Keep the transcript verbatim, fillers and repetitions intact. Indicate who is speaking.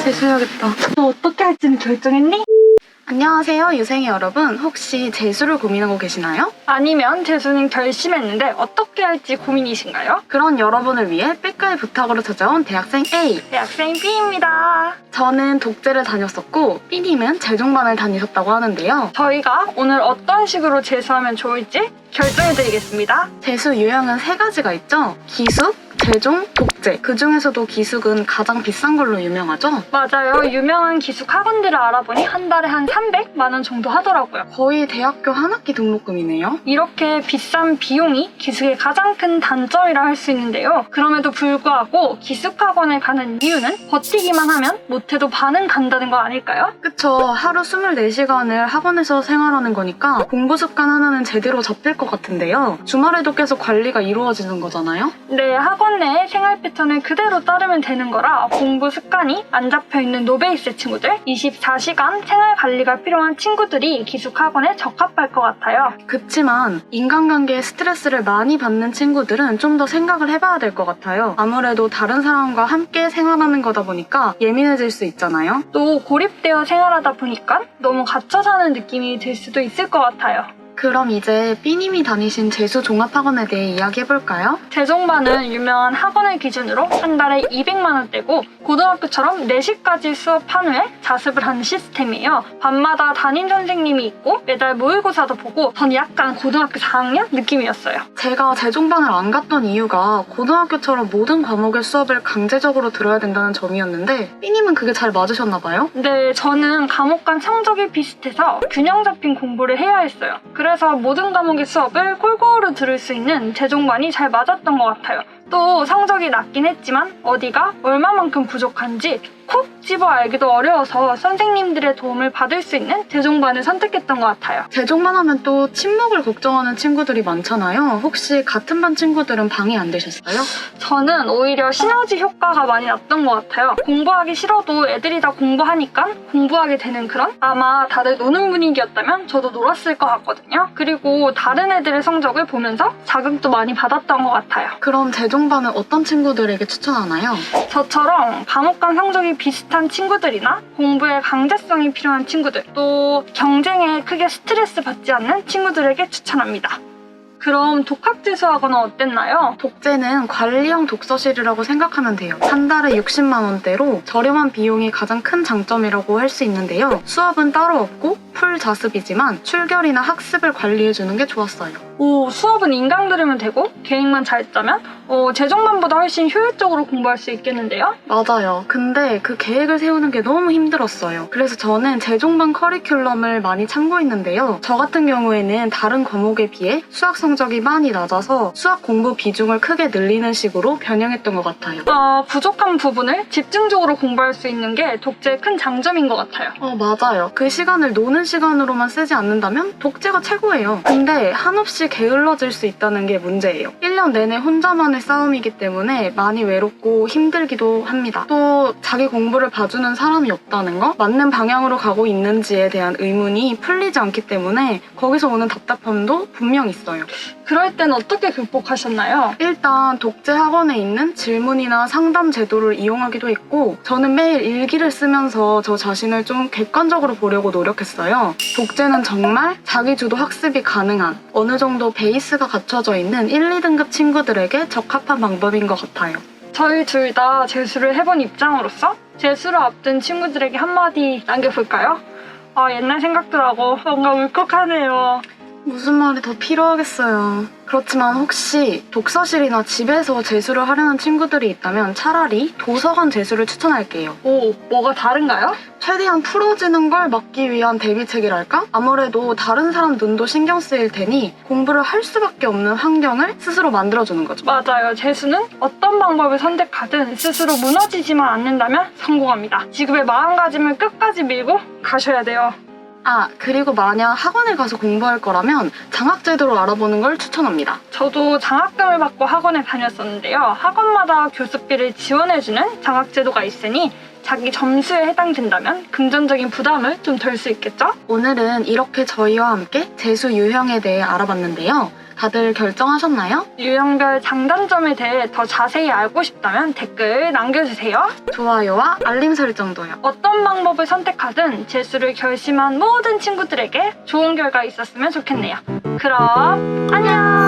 Speaker 1: 재수해야겠다. 너 어떻게 할지는 결정했니?
Speaker 2: 안녕하세요 유생이 여러분, 혹시 재수를 고민하고 계시나요?
Speaker 1: 아니면 재수는 결심했는데 어떻게 할지 고민이신가요?
Speaker 2: 그런 여러분을 위해 백가의 부탁으로 찾아온 대학생 A.
Speaker 1: 대학생 B입니다.
Speaker 2: 저는 독재를 다녔었고 B님은 재종반을 다니셨다고 하는데요.
Speaker 1: 저희가 오늘 어떤 식으로 재수하면 좋을지 결정해드리겠습니다.
Speaker 2: 재수 유형은 세 가지가 있죠. 기숙, 재종, 독재. 그 중에서도 기숙은 가장 비싼 걸로 유명하죠.
Speaker 1: 맞아요. 유명한 기숙 학원들을 알아보니 한 달에 한 삼백만 원 정도 하더라고요.
Speaker 2: 거의 대학교 한 학기 등록금이네요.
Speaker 1: 이렇게 비싼 비용이 기숙의 가장 큰 단점이라 할 수 있는데요. 그럼에도 불구하고 기숙 학원에 가는 이유는 버티기만 하면 못해도 반은 간다는 거 아닐까요?
Speaker 2: 그쵸. 하루 스물네 시간을 학원에서 생활하는 거니까 공부 습관 하나는 제대로 잡힐 것 같은데요. 주말에도 계속 관리가 이루어지는 거잖아요.
Speaker 1: 네, 학원 내 생활 패턴을 그대로 따르면 되는 거라 공부 습관이 안 잡혀있는 노베이스 친구들, 이십사 시간 생활 관리가 필요한 친구들이 기숙 학원에 적합할 것 같아요.
Speaker 2: 그치만 인간관계에 스트레스를 많이 받는 친구들은 좀 더 생각을 해봐야 될 것 같아요. 아무래도 다른 사람과 함께 생활하는 거다 보니까 예민해질 수 있잖아요.
Speaker 1: 또 고립되어 생활하다 보니까 너무 갇혀 사는 느낌이 들 수도 있을 것 같아요.
Speaker 2: 그럼 이제 B님이 다니신 재수 종합학원에 대해 이야기해볼까요?
Speaker 1: 재종반은 유명한 학원을 기준으로 한 달에 이백만 원대고 고등학교처럼 네 시까지 수업한 후에 자습을 하는 시스템이에요. 밤마다 담임 선생님이 있고 매달 모의고사도 보고 전 약간 고등학교 사 학년 느낌이었어요.
Speaker 2: 제가 재종반을 안 갔던 이유가 고등학교처럼 모든 과목의 수업을 강제적으로 들어야 된다는 점이었는데 B님은 그게 잘 맞으셨나봐요?
Speaker 1: 네, 저는 과목 간 성적이 비슷해서 균형 잡힌 공부를 해야 했어요. 그래서 모든 과목의 수업을 골고루 들을 수 있는 재종반이 잘 맞았던 것 같아요. 또 성적이 낮긴 했지만 어디가 얼마만큼 부족한지 콕 집어 알기도 어려워서 선생님들의 도움을 받을 수 있는 재종반을 선택했던 것 같아요.
Speaker 2: 재종반 하면 또 침묵을 걱정하는 친구들이 많잖아요. 혹시 같은 반 친구들은 방해 안 되셨어요?
Speaker 1: 저는 오히려 시너지 효과가 많이 났던 것 같아요. 공부하기 싫어도 애들이 다 공부하니까 공부하게 되는 그런? 아마 다들 노는 분위기였다면 저도 놀았을 것 같거든요. 그리고 다른 애들의 성적을 보면서 자극도 많이 받았던 것 같아요.
Speaker 2: 그럼 재종반은 어떤 친구들에게 추천하나요?
Speaker 1: 저처럼 과목 간 성적이 비슷한 친구들이나 공부에 강제성이 필요한 친구들, 또 경쟁에 크게 스트레스 받지 않는 친구들에게 추천합니다. 그럼 독학재수학원은 어땠나요?
Speaker 2: 독재는 관리형 독서실이라고 생각하면 돼요. 한 달에 육십만 원대로 저렴한 비용이 가장 큰 장점이라고 할 수 있는데요. 수업은 따로 없고 풀 자습이지만 출결이나 학습을 관리해주는 게 좋았어요.
Speaker 1: 오, 수업은 인강 들으면 되고 계획만 잘 짜면 어, 재종반보다 훨씬 효율적으로 공부할 수 있겠는데요?
Speaker 2: 맞아요. 근데 그 계획을 세우는 게 너무 힘들었어요. 그래서 저는 재종반 커리큘럼을 많이 참고했는데요. 저 같은 경우에는 다른 과목에 비해 수학 성적이 많이 낮아서 수학 공부 비중을 크게 늘리는 식으로 변형했던 것 같아요.
Speaker 1: 어, 부족한 부분을 집중적으로 공부할 수 있는 게 독재의 큰 장점인 것 같아요.
Speaker 2: 어, 맞아요. 그 시간을 노는 시간으로만 쓰지 않는다면 독재가 최고예요. 근데 한없이 게을러질 수 있다는 게 문제예요. 일 년 내내 혼자만의 싸움이기 때문에 많이 외롭고 힘들기도 합니다. 또 자기 공부를 봐주는 사람이 없다는 거? 맞는 방향으로 가고 있는지에 대한 의문이 풀리지 않기 때문에 거기서 오는 답답함도 분명 있어요.
Speaker 1: 그럴 땐 어떻게 극복하셨나요?
Speaker 2: 일단 독재 학원에 있는 질문이나 상담 제도를 이용하기도 했고 저는 매일 일기를 쓰면서 저 자신을 좀 객관적으로 보려고 노력했어요. 독재는 정말 자기주도 학습이 가능한 어느 정도 베이스가 갖춰져 있는 일, 이 등급 친구들에게 적합한 방법인 것 같아요.
Speaker 1: 저희 둘 다 재수를 해본 입장으로서 재수를 앞둔 친구들에게 한마디 남겨볼까요? 아, 옛날 생각도 나고 뭔가 울컥하네요.
Speaker 2: 무슨 말이 더 필요하겠어요. 그렇지만 혹시 독서실이나 집에서 재수를 하려는 친구들이 있다면 차라리 도서관 재수를 추천할게요.
Speaker 1: 오, 뭐가 다른가요?
Speaker 2: 최대한 풀어지는 걸 막기 위한 대비책이랄까? 아무래도 다른 사람 눈도 신경 쓰일 테니 공부를 할 수밖에 없는 환경을 스스로 만들어주는 거죠.
Speaker 1: 맞아요. 재수는 어떤 방법을 선택하든 스스로 무너지지만 않는다면 성공합니다. 지금의 마음가짐을 끝까지 밀고 가셔야 돼요.
Speaker 2: 아, 그리고 만약 학원에 가서 공부할 거라면 장학제도를 알아보는 걸 추천합니다.
Speaker 1: 저도 장학금을 받고 학원에 다녔었는데요. 학원마다 교습비를 지원해주는 장학제도가 있으니 자기 점수에 해당된다면 금전적인 부담을 좀 덜 수 있겠죠?
Speaker 2: 오늘은 이렇게 저희와 함께 재수 유형에 대해 알아봤는데요. 다들 결정하셨나요?
Speaker 1: 유형별 장단점에 대해 더 자세히 알고 싶다면 댓글 남겨주세요.
Speaker 2: 좋아요와 알림 설정도요.
Speaker 1: 어떤 방법을 선택하든 재수를 결심한 모든 친구들에게 좋은 결과 있었으면 좋겠네요. 그럼 안녕!